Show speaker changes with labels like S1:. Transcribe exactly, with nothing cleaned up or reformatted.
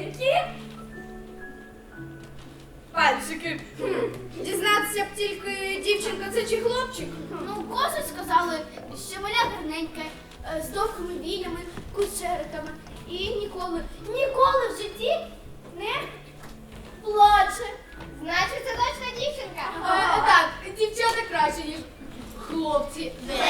S1: Які? Пальчики.
S2: Дізнатися б тільки, дівчинка це чи хлопчик?
S3: Ну, коси сказали, що маля гарненька, е, з довгими віями, кучериками. І ніколи, ніколи в житті не плаче.
S4: Значить, це точно дівчинка.
S1: Е, так, дівчата краще, ніж хлопці.
S4: Де?